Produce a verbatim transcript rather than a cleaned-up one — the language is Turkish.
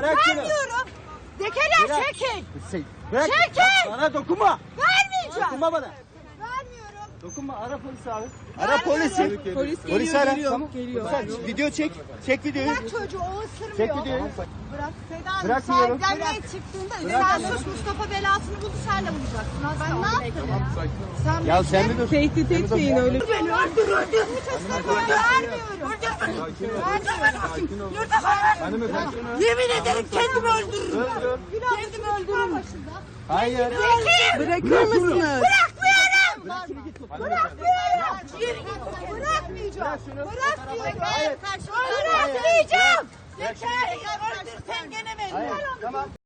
Bırak şunu. Vermiyorum. Dekeler Bırak. çekil. Bırak. Çekil. Bana dokunma. Vermeyeceğim. Dokunma bana. Vermiyorum. Dokunma. Ara polisi abi. Ara polisi. Polis Polis geliyor, ara. geliyor, Tamam. geliyor. Sen video çek. Çek videoyu. Bırak çocuğu o ısırmıyor. Çek videoyu. Bırak. Seda Hanım Bırakmıyorum. sahiplenmeye çıktığında Bırak. sen sus Mustafa belasını buldu sen de bulacaksın. Ben ne yaptım ya? Sen Ya sen mi dur? Tehdit etmeyin öyle. beni öldür öldür. Vermiyorum. Vermiyorum. Yurda Hanımefendi. Yemin ederim kendimi öldürürüm. Öldür. Kendimi öldürürüm. Hayır. Bırakır mısınız? Bırakmıyorum. Bırakmıyorum. Bırakmayacağım. Bırakmıyorum. Hayır. Bırakmayacağım. Yeter. Öldür sen gene beni. Hayır. Tamam.